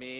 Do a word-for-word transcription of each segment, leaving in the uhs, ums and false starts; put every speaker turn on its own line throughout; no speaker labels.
มี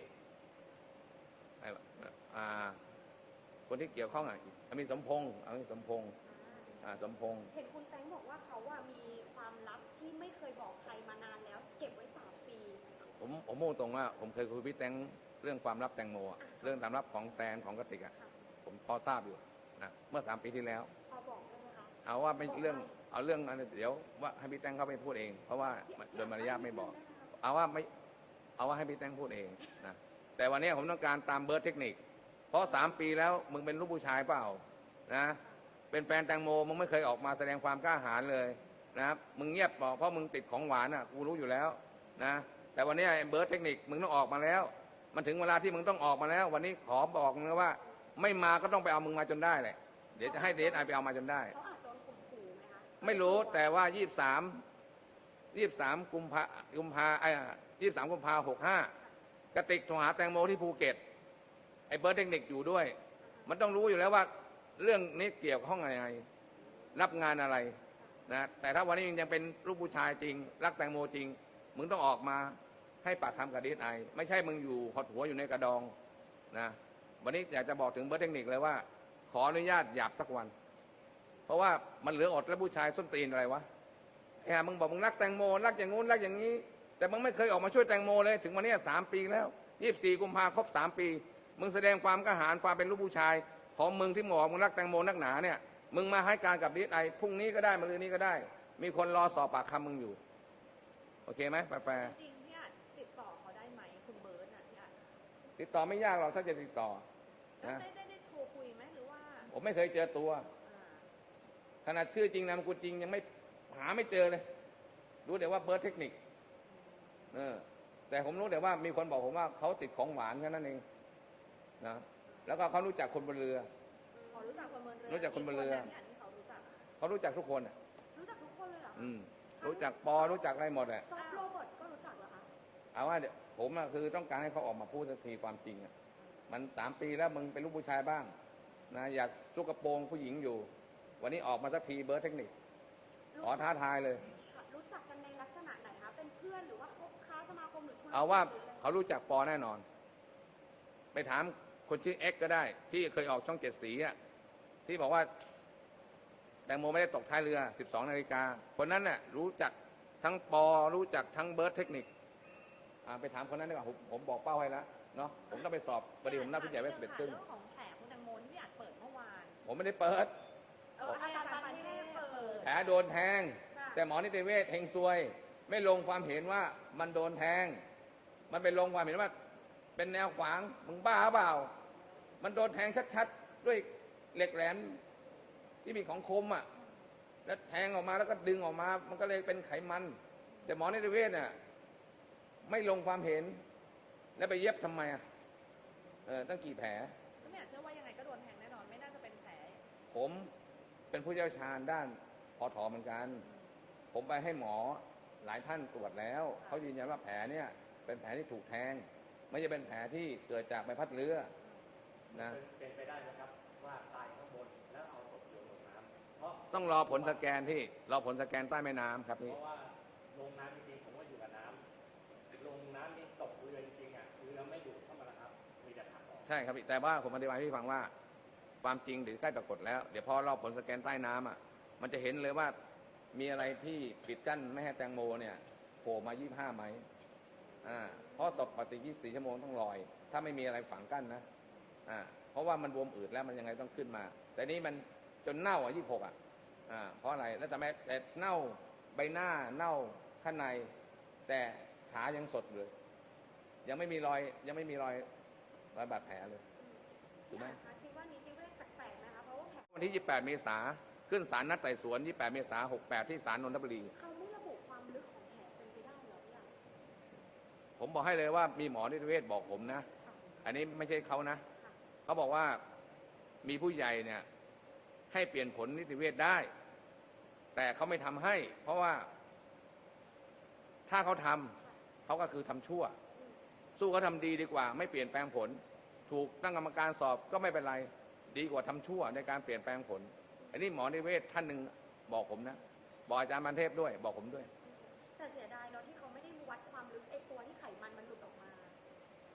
คนที่เกี่ยวข้องอ่ะมีสมพงษ์เอาสมพงษ์สมพงษ์
เห็นคุณแตงบอกว่าเขาอ่ะมีความลับที่ไม่เคยบอกใครมานานแล้วเก็บไว้สามปี
ผมผมพูดตรงว่าผมเคยคุยพี่แตงเรื่องความลับแตงโมเรื่องความลับของแซนของกติกอ่ะผมพอทราบอยู่นะเมื่อสามปีที่แล้ว
พอบอกได้ไหมคะ
เอาว่าไม่เรื่องเอาเรื่องอันเดี๋ยวว่าให้พี่แตงเขาไปพูดเองเพราะว่าโดยมารยาทไม่บอกเอาว่าไม่เอาว่าให้พี่แตงพูดเองนะแต่วันนี้ผมต้องการตามเบิร์ดเทคนิคเพราะสามปีแล้วมึงเป็นลูกผู้ชายเปล่านะเป็นแฟนแตงโมมึงไม่เคยออกมาแสดงความกล้าหาญเลยนะครับมึงเงียบบอกเพราะมึงติดของหวานอ่ะกูรู้อยู่แล้วนะแต่วันนี้เบิร์ดเทคนิคมึงต้องออกมาแล้วมันถึงเวลาที่มึงต้องออกมาแล้ววันนี้ขอบอกนะว่าไม่มาก็ต้องไปเอามึงมาจนได้แหละเดี๋ยวจะให้เดชไอไปเอามาจนได้
เขาอาจโดนข่มขู่ไหมคะ
ไม่รู้แต่ว่ายี่สิบสามยี่สิบสามกุมภากุมภาไอ้ยี่สิบสามกุมภาหกห้ากระติกโทรหาแตงโมที่ภูเก็ตไอ้เบิร์ดเทคนิคอยู่ด้วยมันต้องรู้อยู่แล้วว่าเรื่องนี้เกี่ยวข้องอะไรรับงานอะไรนะแต่ถ้าวันนี้ยังเป็นลูกผู้ชายจริงรักแตงโมจริงมึงต้องออกมาให้ปากคำกับดีไอไม่ใช่มึงอยู่หดหัวอยู่ในกระดองนะวันนี้อยากจะบอกถึงเบิร์ดเทคนิคเลยว่าขออนุญาตหยาบสักวันเพราะว่ามันเหลืออดแล้วผู้ชายส้นตีนอะไรวะไอ้ห่ามึงบอกมึงรักแตงโมรักอย่างงู้นรักอย่างนี้แต่มึงไม่เคยออกมาช่วยแตงโมเลยถึงวันนี้สามปีแล้วยี่สิบสี่กุมภาครบสามปีมึงแสดงความกล้าหาญความเป็นลูกผู้ชายของมึงที่บอกมึงรักแตงโมนักหนาเนี่ยมึงมาให้การกับดีไอพรุ่งนี้ก็ได้มะรืนนี้ก็ได้มีคนรอสอบปากคำมึงอยู่โอเคไหมแฟร์
จริงพี่อาจติดต่อเขาได้ไหมคุณเบิร์ตน่ะพี่อาจ
ติดต่อไม่ยากหรอกถ้าจะติดต่อ
นะได้ได้ได้โทรคุยไหมหรือว่า
ผมไม่เคยเจอตัวขนาดชื่อจริงนามสกุลจริงยังไม่หาไม่เจอเลยรู้แต่ว่าเบิร์ดเทคนิคเออแต่ผมรู้แต่ว่ามีคนบอกผมว่าเขาติดของหวานแค่นั้นเองนะแล้วก็เขารู้จักคนบนเรือ
รู้จักคนบนเรือ
รู้จักคนบนเรือเขารู้จักทุกคนอ่ะ
รู้จักทุกคนเลยเหรอ
อืมรู้จักปอรู้จักอะไรหมดอ่ะ
จอร์จโรเบิร์ตก็รู้จักเหรอคะ
เอาว่าผมอะคือต้องการให้เขาออกมาพูดสักทีความจริงอ่ะมันสามปีแล้วมึงเป็นลูกผู้ชายบ้างนะอยากซุกกระโปรงผู้หญิงอยู่วันนี้ออกมาสักทีเบิร์ดเทคนิคขอท้าทายเลย
รู้จักกันในลักษณะไหนคะเป็นเพื่อนหรือว่าคบค้าสมาคมหรือ
เอาว่าเขารู้จักปอแน่นอนไปถามคนชื่อเอ็กก็ได้ที่เคยออกช่องเจ็ดสีอ่ะที่บอกว่าแตงโมไม่ได้ตกท้ายเรือสิบสองนาฬิกาคนนั้นน่ะรู้จักทั้งปอรู้จักทั้งเบิร์ดเทคนิคไปถามคนนั้นดีกว่าผมผมบอกเป้าให้แล้วเนาะผมต้องไปสอบประเดี๋ยวผมนัดผู้ใหญ่ไว้สิบเอ็ดครึ่ง
เรื่องของแผลคุณแตงโมที่อาจเปิดเมื่อวาน
ผมไม่ได้เปิด
อาจารย์ปานเทพเปิด
แผลโดนแทงแต่หมอนิติเวชเฮงซวยไม่ลงความเห็นว่ามันโดนแทงมันเป็นลงความเห็นว่าเป็นแนวขวางมึงบ้าเปล่ามันโดนแทงชัดๆด้วยเหล็กแหลมที่มีของคมอ่ะแล้วแทงออกมาแล้วก็ดึงออกมามันก็เลยเป็นไขมันแต่หมอนิติเวชเนี่ยไม่ลงความเห็นแล้วไปเย็บทำไมอ่ะเออตั้งกี่แผล
ไม่อยากเชื่อว่ายังไงก็โดนแทงแน่นอนไม่น่าจะเป็นแผล
ผมเป็นผู้เชี่ยวชาญด้านพอถอเหมือนกันผมไปให้หมอหลายท่านตรวจแล้วเขายืนยันว่าแผลเนี่ยเป็นแผลที่ถูกแทงไม่ใช่เป็นแผลที่เกิดจากใบพัดเรือนะ
เป็นไปได้นะครับว่าตายข้างบนแล้วเอาศพโยนลงน้ำเพราะ
ต้องรอผลสแกนที่รอผลสแกนใต้แม่น้ำครับนี่
เพราะว่าลงน้ำจริงๆผมว่าอยู่กับน้ำลงน้ำนี่ตกเรือจริงๆอ่ะเรือไม่อยู่เข้ามาแล้วครับมีแต่ถังออก
ใช่ครับแต่ว่าผมอธิบายให้พี่ฟังว่าความจริงเดี๋ยวใกล้ปรากฏแล้วเดี๋ยวพอรอผลสแกนใต้น้ำอ่ะมันจะเห็นเลยว่ามีอะไรที่ปิดกั้นไม่ให้แตงโมเนี่ยโผล่มายี่สิบห้าไหมอ่าเพราะศพปฏิยี่สิบสี่ชั่วโมงต้องลอยถ้าไม่มีอะไรฝังกั้นนะอ่าเพราะว่ามันบวมอืดแล้วมันยังไงต้องขึ้นมาแต่นี้มันจนเน่าอ่ะยี่สิบหกอ่ะอ่าเพราะอะไรแล้วทำไมแต่เน่าใบหน้าเน่าข้างในแต่ขายังสดเลยยังไม่มีรอยยังไม่มีรอยรอยบาดแผลเลยถูกไหม
คิดว่านี้ที่เรื่องแปลกๆนะคะเพราะว่า
วันที่ยี่สิบแปดเมษาขึ้นศาลนัดไต่สวนยี่สิบแปดเมษาหกแปดที่ศาลนนทบุรี
เขาไม่ระบุความลึกของแผลเป็นไปได้หรอเนี่ย
ผมบอกให้เลยว่ามีหมอนิติเวชบอกผมนะอันนี้ไม่ใช่เขานะเขาบอกว่ามีผู้ใหญ่เนี่ยให้เปลี่ยนผลนิติเวชได้แต่เขาไม่ทำให้ เพราะว่าถ้าเขาทำเขาก็คือทำชั่วสู้เขาทำดีดีกว่าไม่เปลี่ยนแปลงผลถูกตั้งกรรมการสอบก็ไม่เป็นไรดีกว่าทำชั่วในการเปลี่ยนแปลงผลอันนี้หมอนิติเวชท่านหนึ่งบอกผมนะบอกอาจารย์ปานเทพด้วยบอกผมด้วย
แต่เสียดายเนาะที่เขาไม่ได้วัดความลึกไอ้ตัวที่ไขมันมันหลุดออกมา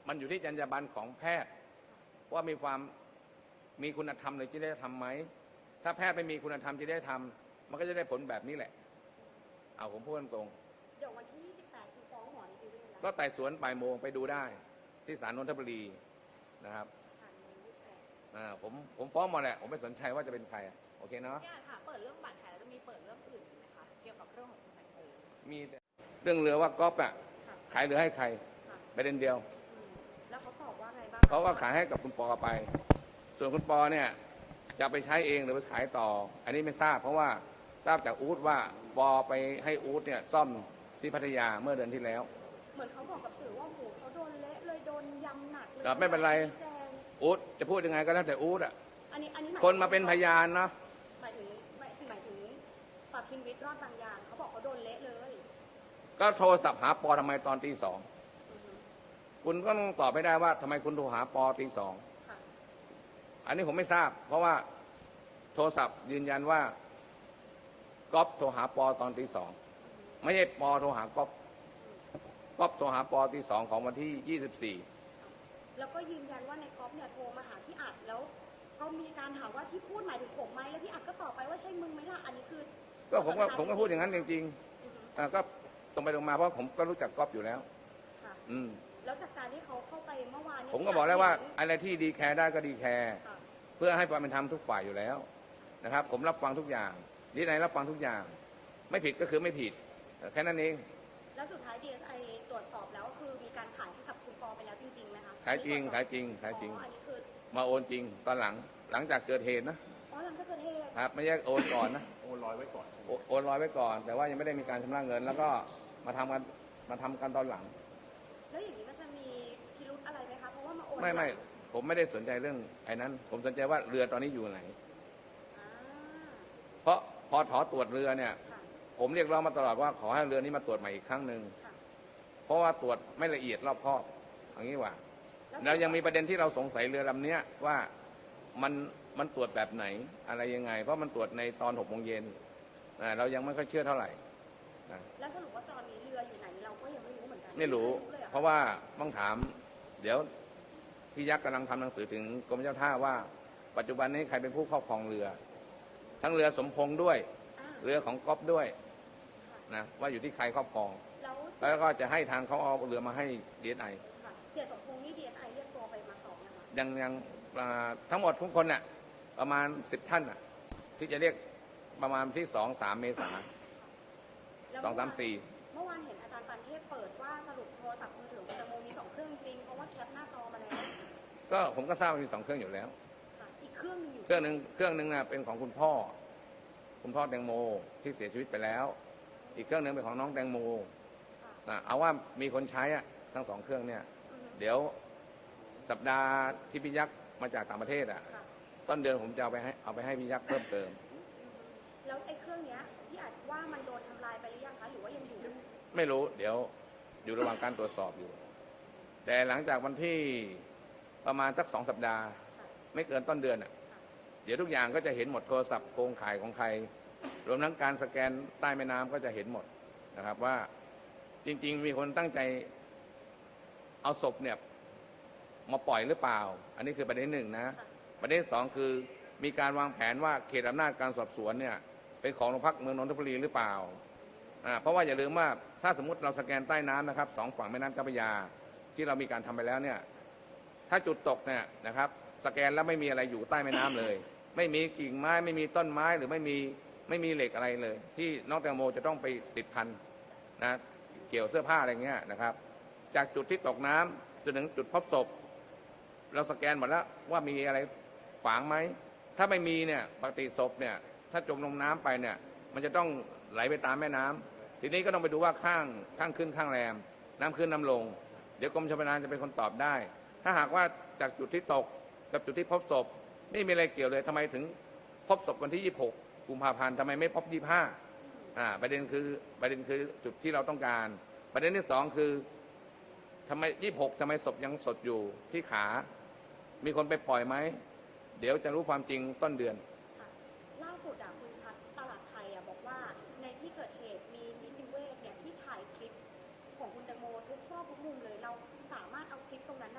มันอยู่ที่จรรยาบรรณของแพทย์ว่ามีความมีคุณธรรมหรือจริยธรรมไหมถ้าแพทย์ไม่มีคุณธรรมจริยธรรมมันก็จะได้ผลแบบนี้แหละเอาผมพูดตรง
เดี๋ยววันที่ยี่สิบแปดคือฟ้องหมอนิติเวชแล้ว
ก็ไต่สวนบ่ายโมงไปดูได้ที่ศาลนนทบุรีนะครับ
ค่ะในยี่สิบแปด
อ่าผมผมฟ้องหมาแหละผมไม่สนใจว่าจะเป็นใครโอเคเนาะ
พี่อาจค่ะเปิดเรื่องบาดแผลแล้วจะมีเปิดเรื่องอื่นอีกไหมคะเกี่ยวกับเรื่องของคุณแตงโม
มีแต่เรื่องเรือว่าก๊อฟอะ
ค่ะ
ขายเรือให้ใคร
ค่ะ
ประเด็นเดียว
อืมแล้วเขาตอบว่าไงบ้าง
เขาก็ขายให้กับคุณปอไป ส่วนคุณปอเนี่ยจะไปใช้เองหรือไปขายต่อ อันนี้ไม่ทราบเพราะว่าทราบจากอู๊ดว่าปอไปให้อู๊ดเนี่ยซ่อมที่พัทยาเมื่อเดือนที่แล้ว
เหมือนเขาบอกกับสื่อว่าโอ้โหเขาโดนเละเลยโดนยำหนักเลย
ครับไม่เป็นไร
ชี้แจง
อู๊ดจะพูดยังไงก็แล้วแต่อู๊ดอะ
อันนี้อันนี้หย
คนมาเป็นพยานเนาะ
หมายถึงหมายหมายถึงปากคินวิทย์รอดบางยางเขาบอกเขาโดนเละเลย
ก็โทรศัพท์หาปอทำไมตอนตีสอง
อือฮึ
คุณก็ต้องตอบไม่ได้ว่าทำไมคุณโทรหาปอตีสอง
ค่ะ
อันนี้ผมไม่ทราบ เพราะว่าโทรศัพท์ยืนยันว่าก๊อฟโทรหาปอตอนตีสองไม่ใช่ปอโทรหาก๊อฟก๊อฟโทรหาปอตีสองของวันที่ยี่สิบสี่
แล้วก็ยืนยันว่าในก๊อฟเนี่ยโทรมาหาพี่อัดแล้วก็มีการถามว่าที่พูดหมายถึงผมไหมแล้วพี่อัดก็ตอบไปว่าใช่มึงไหมล่ะอันนี้คือ
ก็ผมก็ผมก็พูดอย่างนั้นจริง
อือฮึ
ๆอ่าก็ตรงไปตรงมาเพราะผมก็รู้จักก๊อฟอยู่แล้ว
ค่ะ
อืม
แล้วจากการที่เขาเข้าไปเมื่อวานนี้
ผมก็บอกแล้วว่า
เห็น
อะไรที่ดีแคร์ได้ก็ดีแคร์
ค่ะ
เพื่อให้ความเป็นธรรมทุกฝ่ายอยู่แล้วนะครับ ผมรับฟังทุกอย่างดีไหนรับฟังทุกอย่าง ไม่ผิดก็คือไม่ผิดแค่นั้นเอง
แล้วสุดท้าย ดี เอส ไอ ตรวจสอบแล้วก็คือมีการขายให้กับคุณปอไปแล้วจริงๆไหมคะ
ขายจริง
อันนี้ตว
ขาย
สอบ
จริงขายจริง
อ๋ออันนี้คือ
มาโอนจริงตอนหลังหลังจากเกิดเหตุนะ
อ๋อหลังจากเกิดเหตุ
ครับไม่ใช่โอนก่อนนะ
โอนลอยไว้ก่อนใช่ไหม
โอโอนรอยไว้ก่อน แต่ว่ายังไม่ได้มีการชำระเงิน แล้วก็มาทำกันมาทำกันตอนหลัง
แล้วอย่างนี้มันจะมีพิรุธอะไรไหมคะเพราะว่ามาโอน
ไม่ไม่
หลัง
ผมไม่ได้สนใจเรื่องไอ้นั้น ผมสนใจว่าเรือตอนนี้อยู่ไหน
อ่า
เพราะพอถอตรวจเรือเนี่ย
ค่ะ
ผมเรียกร้องมาตลอดว่าขอให้เรือนี้มาตรวจใหม่อีกครั้งหนึ่ง
ค่ะ
เพราะว่าตรวจไม่ละเอียดรอบคอบอย่างนี้ว่า แล้วยังมีประเด็นที่เราสงสัยเรือลำเนี้ยว่ามันมันตรวจแบบไหนอะไรยังไง เพราะมันตรวจในตอนหกโมงเย็นอ่าเรายังไม่ค่อยเชื่อเท่าไหร่นะ
แล้วสรุปว่าตอนนี้เรืออยู่ไหนเราก็ยังไม่รู้เหมือนกัน
ไม่รู้
เลยหอ
เพราะว่าต้องถาม เดี๋ยวพี่ยักษ์กำลังทำหนังสือถึงกรมเจ้าท่าว่า ปัจจุบันนี้ใครเป็นผู้ครอบครองเรือ ทั้งเรือสมพงษ์ด้วย
อ่า
เรือของก๊อฟด้วยนะว่าอยู่ที่ใครครอบครอง
แล้ว
แล้วก็จะให้ทางเขาเอาเรือมาให้ดีเอสไอ
ค่ะเสียสมพงษ์นี่ ดี เอส ไอ เรียกตัวไปมาสอบนะคะ
ยังยังอ่าทั้งหมดทุกคนน่ะประมาณสิบท่านน่ะที่จะเรียกประมาณที่สองสามเมษา
แล้ว
สองสามสี่
เมื่อวานเห็นอาจารย์ปันเทพเปิดว่าสรุปโทรศัพท์มือถือคุณแตงโมมีสองเครื่องจริงเพราะว่าแคปหน้าจอมาแล้ว
ก็ผมก็ทราบว่ามีสองเครื่องอยู่แล้ว
ค่ะอีกเครื่องหนึงอยู่
เครื่องหนึ่งเครื่องหนึ่งน่ะเป็นของคุณพ่อ คุณพ่อแตงโมที่เสียชีวิตไปแล้ว อีกเครื่องหนึ่งเป็นของน้องแตงโม
ค่ะ
นะเอาว่ามีคนใช้อะทั้งสองเครื่องเนี่ย
อือฮึ
เดี๋ยวสัปดาห์ที่พี่ยักษ์มาจากต่างประเทศอ่ะ
ค่ะ
ต้นเดือนผมจะเอาไปให้เอาไปให้พี่ยักษ์เพิ่มเติม
อือฮึแล้วไอ้เครื่องเนี้ยพี่อาจว่ามันโดนทำลายไปหรือยังคะหรือว่ายังอยู่
ไม่รู้ เดี๋ยวอยู่ระหว่างการตรวจสอบอยู่ แต่หลังจากวันที่ประมาณสักสองสัปดาห์
ค่ะ
ไม่เกินต้นเดือนอ่ะ เดี๋ยวทุกอย่างก็จะเห็นหมดโทรศัพท์โครงข่ายของใคร รวมทั้งการสแกนใต้แม่น้ำก็จะเห็นหมดนะครับว่าจริง ๆ มีคนตั้งใจเอาศพเนี่ยมาปล่อยหรือเปล่า อันนี้คือประเด็นหนึ่งนะ
ค่ะ
ประเด็นที่สองคือมีการวางแผนว่าเขตอำนาจการสอบสวนเนี่ยเป็นของโรงพักเมืองนนทบุรีหรือเปล่าอ่าเพราะว่าอย่าลืมว่าถ้าสมมติเราสแกนใต้น้ำนะครับสองฝั่งแม่น้ำเจ้าพระยาที่เรามีการทำไปแล้วเนี่ยถ้าจุดตกเนี่ยนะครับสแกนแล้วไม่มีอะไรอยู่ใต้แม่น้ำเลย ไม่มีกิ่งไม้ไม่มีต้นไม้หรือไม่มีไม่มีเหล็กอะไรเลย ที่น้องแตงโมจะต้องไปติดพันนะเกี่ยวเสื้อผ้าอะไรเงี้ยนะครับ จากจุดที่ตกน้ำจนถึงจุดพบศพ เราสแกนหมดแล้วว่ามีอะไรขวางไหม ถ้าไม่มีเนี่ยปกติศพเนี่ยถ้าจมลงน้ำไปเนี่ยมันจะต้องไหลไปตามแม่น้ำทีนี้ก็ต้องไปดูว่าข้างข้างขึ้นข้างแรม น้ำขึ้นน้ำลง เดี๋ยวกรมชลประทานจะเป็นคนตอบได้ ถ้าหากว่าจากจุดที่ตกกับจุดที่พบศพไม่มีอะไรเกี่ยวเลยทำไมถึงพบศพวันที่ยี่สิบหกกุมภาพันธ์ทำไมไม่พบยี่สิบห้าอ่าประเด็นคือประเด็นคือจุดที่เราต้องการ ประเด็นที่สองคือทำไมยี่สิบหกทำไมศพยังสดอยู่ที่ขา มีคนไปปล่อยไหม เดี๋ยวจะรู้ความจริงต้นเดือน
ค่ะล่าสุดอะคุณชัดตลาดไทยอะบอกว่าในที่เกิดเหตุมีนิติเวชเนี่ยที่ถ่ายคลิปของคุณแตงโมทุกซอกทุกมุมเลยเราสามารถเอาคลิปตรงนั้นอะ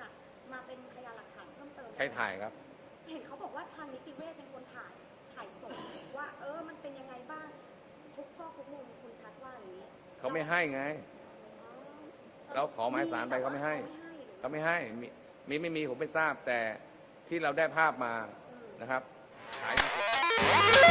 มาเป็นพยานหลักฐานเพิ่มเติม
ใครถ่ายครับ
เห็นเขาบอกว่าทางนิติเวชเป็นคนถ่ายถ่ายสดว่าเออมันเป็นยังไงบ้างทุกซอกทุกมุมคุณชัดว่าอย่างนี้
เขาไม่ให้ไง
อ๋อ
เราขอหมายสารไปเขาไม่ให้ เขาไม่ให้มีมีไม่มีผมไม่ทราบแต่ที่เราได้ภาพมานะครับถ่ายมา